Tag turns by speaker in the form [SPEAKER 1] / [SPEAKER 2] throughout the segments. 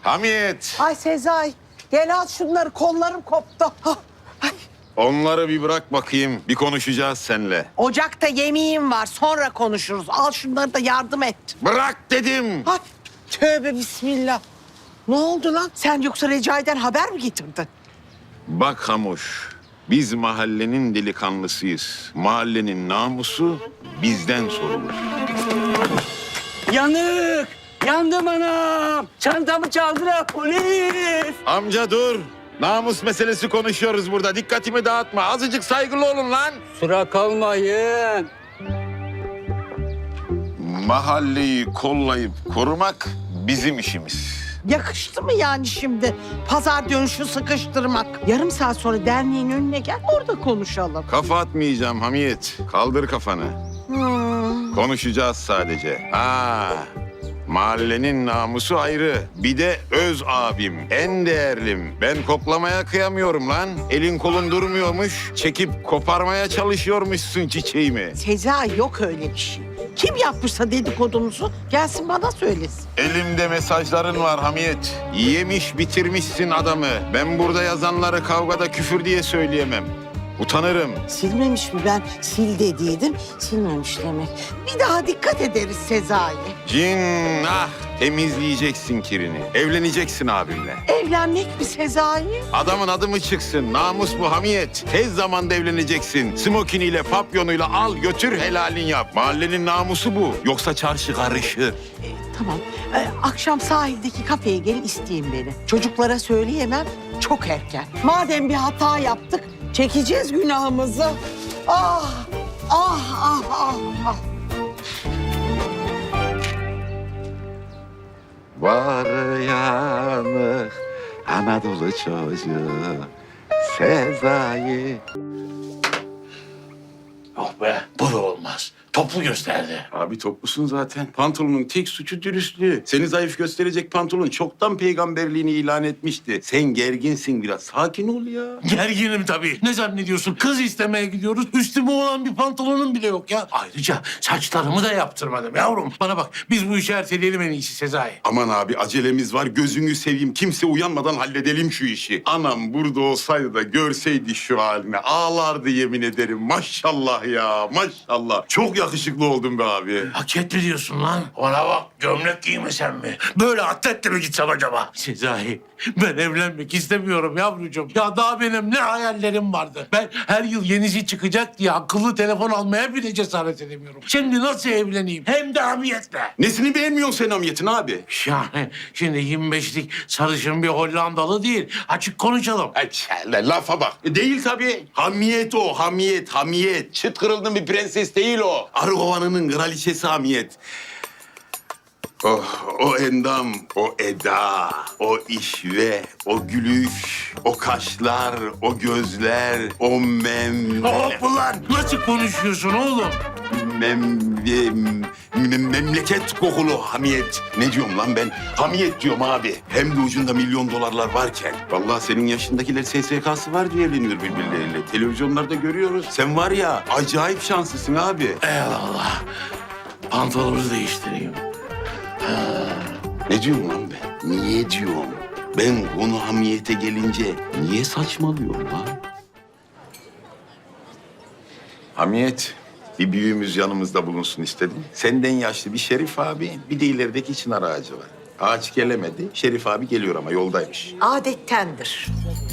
[SPEAKER 1] Hamiyet.
[SPEAKER 2] Ay Sezai, gel al şunları, kollarım koptu. Hah, ay.
[SPEAKER 1] Onları bir bırak bakayım. Bir konuşacağız seninle.
[SPEAKER 2] Ocakta yemeğim var, sonra konuşuruz. Al şunları da yardım et.
[SPEAKER 1] Bırak dedim.
[SPEAKER 2] Ay, tövbe bismillah. Ne oldu lan? Sen yoksa Recai'den haber mi getirdin?
[SPEAKER 1] Bak Hamuş, biz mahallenin delikanlısıyız. Mahallenin namusu bizden sorulur.
[SPEAKER 3] Yanık! Yandım anam! Çantamı çaldılar polis!
[SPEAKER 1] Amca dur. Namus meselesi konuşuyoruz burada. Dikkatimi dağıtma. Azıcık saygılı olun lan.
[SPEAKER 3] Sıra kalmayın.
[SPEAKER 1] Mahalleyi kollayıp korumak bizim işimiz.
[SPEAKER 2] Yakıştı mı yani şimdi pazar dönüşü sıkıştırmak? Yarım saat sonra derneğin önüne gel, orada konuşalım.
[SPEAKER 1] Kafa atmayacağım Hamiyet. Kaldır kafanı. Konuşacağız sadece. Mahallenin namusu ayrı. Bir de öz abim, en değerlim. Ben koklamaya kıyamıyorum lan. Elin kolun durmuyormuş. Çekip koparmaya çalışıyormuşsun çiçeğimi.
[SPEAKER 2] Sezai, yok öyle bir şey. Kim yapmışsa dedikodumuzu gelsin bana söylesin.
[SPEAKER 1] Elimde mesajların var Hamiyet. Yemiş bitirmişsin adamı. Ben burada yazanları kavgada küfür diye söyleyemem. Utanırım.
[SPEAKER 2] Silmemiş mi? Ben sil dediydim, silmemiş demek. Bir daha dikkat ederiz Sezai.
[SPEAKER 1] Cinnah temizleyeceksin kirini. Evleneceksin abimle.
[SPEAKER 2] Evlenmek mi Sezai?
[SPEAKER 1] Adamın adı mı çıksın? Namus bu Hamiyet. Tez zamanda evleneceksin. Smokiniyle, papyonuyla al götür helalin yap. Mahallenin namusu bu. Yoksa çarşı karışır.
[SPEAKER 2] Tamam. Akşam sahildeki kafeye gelin, isteyin beni. Çocuklara söyleyemem, çok erken. Madem bir hata yaptık, çekeceğiz günahımızı. Ah, ah, ah, ah, ah.
[SPEAKER 1] Var yanı Anadolu çocuğu Sezai.
[SPEAKER 4] Yok be, bu da olmaz. Toplu gösterdi.
[SPEAKER 5] Abi toplusun zaten. Pantolonun tek suçu dürüstlüğü. Seni zayıf gösterecek pantolon çoktan peygamberliğini ilan etmişti. Sen gerginsin biraz. Sakin ol ya.
[SPEAKER 4] Gerginim tabii. Ne zannediyorsun? Kız istemeye gidiyoruz. Üstüme olan bir pantolonum bile yok ya. Ayrıca saçlarımı da yaptırmadım yavrum. Bana bak, biz bu işi erteleyelim en iyisi Sezai.
[SPEAKER 5] Aman abi acelemiz var. Gözünü seveyim. Kimse uyanmadan halledelim şu işi. Anam burada olsaydı da görseydi şu halini. Ağlardı yemin ederim. Maşallah ya. Maşallah. Çok yakışıklı oldun be abi.
[SPEAKER 4] Hak etti diyorsun lan. Ona bak, gömlek giymesem mi? Böyle atletle mi gitsem acaba? Sezai, ben evlenmek istemiyorum yavrucuğum. Ya daha benim ne hayallerim vardı. Ben her yıl yenisi çıkacak diye akıllı telefon almaya bile cesaret edemiyorum. Şimdi nasıl evleneyim? Hem de hamiyetle.
[SPEAKER 5] Nesini beğenmiyorsun sen Hamiyet'in abi?
[SPEAKER 4] Yani şimdi 25'lik sarışın bir Hollandalı değil. Açık konuşalım.
[SPEAKER 5] Ay, lafa bak. Değil tabii. Hamiyet o, hamiyet, hamiyet. Çıt kırıldın bir prenses değil o. Arı kovanının kraliçesi hamiyet. Oh, o endam, o eda, o işve, o gülüş, o kaşlar, o gözler, o
[SPEAKER 4] Hop ulan! Nasıl konuşuyorsun oğlum?
[SPEAKER 5] memleket kokulu hamiyet. Ne diyorum lan ben? Hamiyet diyorum abi. Hem de ucunda milyon dolarlar varken. Vallahi senin yaşındakiler SSK'sı var diye evleniyor birbirleriyle. Televizyonlarda görüyoruz. Sen var ya acayip şanslısın abi.
[SPEAKER 4] Eyvallah. Pantolonu değiştireyim.
[SPEAKER 5] Ne diyorum lan ben? Niye diyorum? Ben konu hamiyete gelince niye saçmalıyorum lan? Hamiyet, bir büyüğümüz yanımızda bulunsun istedim. Senden yaşlı bir Şerif abi, bir de ilerideki çınar ağacı var. Ağaç gelemedi, Şerif abi geliyor ama yoldaymış.
[SPEAKER 2] Adettendir.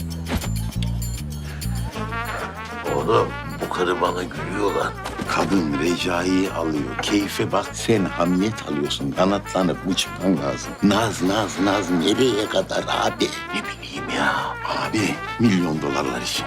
[SPEAKER 4] Oğlum, bu karı bana gülüyor lan.
[SPEAKER 5] Kadın Recai'yi alıyor, keyfe bak. Sen hamiyet alıyorsun, kanatlanıp uçman lazım. Naz nereye kadar abi?
[SPEAKER 4] Ne bileyim ya.
[SPEAKER 5] Abi, milyon dolarlar için.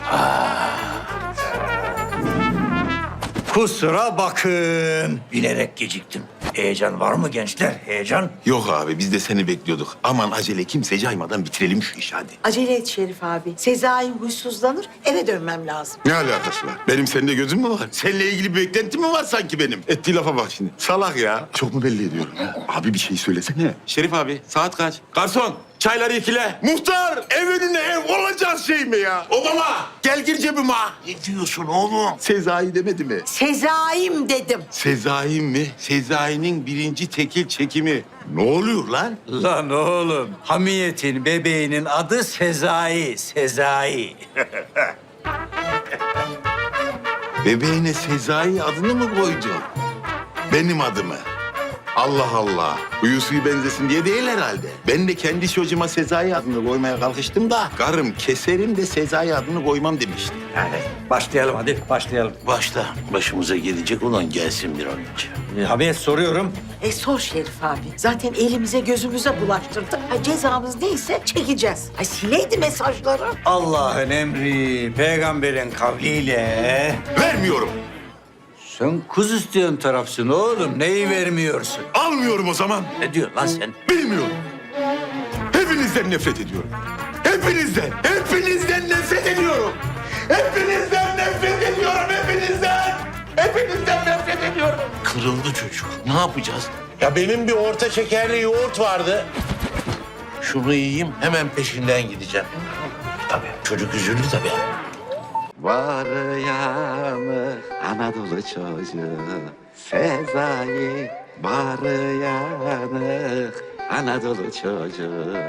[SPEAKER 6] Kusura bakın. Bilerek geciktim. Heyecan var mı gençler? Heyecan?
[SPEAKER 5] Yok abi, biz de seni bekliyorduk. Aman acele kimse caymadan bitirelim şu işi hadi.
[SPEAKER 2] Acele et Şerif abi. Sezai huysuzlanır, eve dönmem lazım.
[SPEAKER 5] Ne alakası var? Benim seninle gözüm mü var? Seninle ilgili bir beklentim mi var sanki benim? Ettiği lafa bak şimdi. Salak ya. Çok mu belli ediyorum? Abi bir şey söylesene. Şerif abi, saat kaç? Garson, Çayları ikile. Muhtar ev önüne ev olacak şey mi ya? Obama gel gir cebime.
[SPEAKER 4] Ne diyorsun oğlum?
[SPEAKER 5] Sezai demedi mi?
[SPEAKER 2] Sezai'm dedim.
[SPEAKER 5] Sezai mi? Sezai'nin birinci tekil çekimi. Ne oluyor lan?
[SPEAKER 6] Lan oğlum, Hamiyet'in bebeğinin adı Sezai, Sezai.
[SPEAKER 5] Bebeğine Sezai adını mı koydun? Benim adımı. Allah Allah. Huyu suyu benzesin diye değil herhalde. Ben de kendi çocuğuma Sezai adını koymaya kalkıştım da... ...karım keserim de Sezai adını koymam demişti.
[SPEAKER 6] Yani başlayalım hadi, başlayalım.
[SPEAKER 4] Başla. Başımıza gelecek olan gelsin bir an önce.
[SPEAKER 6] Hamiyet soruyorum.
[SPEAKER 2] Sor Şerif abi. Zaten elimize gözümüze bulaştırdık. Cezamız neyse çekeceğiz. Sileydi mesajları.
[SPEAKER 6] Allah'ın emri, peygamberin kavliyle...
[SPEAKER 5] Vermiyorum.
[SPEAKER 6] Sen kuz isteyen tarafsın oğlum, neyi vermiyorsun?
[SPEAKER 5] Almıyorum o zaman.
[SPEAKER 6] Ne diyorsun lan sen?
[SPEAKER 5] Bilmiyorum. Hepinizden nefret ediyorum. Hepinizden. Hepinizden nefret ediyorum. Hepinizden nefret ediyorum. Hepinizden. Hepinizden nefret ediyorum.
[SPEAKER 4] Kırıldı çocuk. Ne yapacağız?
[SPEAKER 7] Ya benim bir orta şekerli yoğurt vardı.
[SPEAKER 4] Şunu yiyeyim, hemen peşinden gideceğim. Tabii, çocuk üzüldü tabii.
[SPEAKER 8] Var yanı Anadolu çocuğu Sezai var yanı Anadolu çocuğu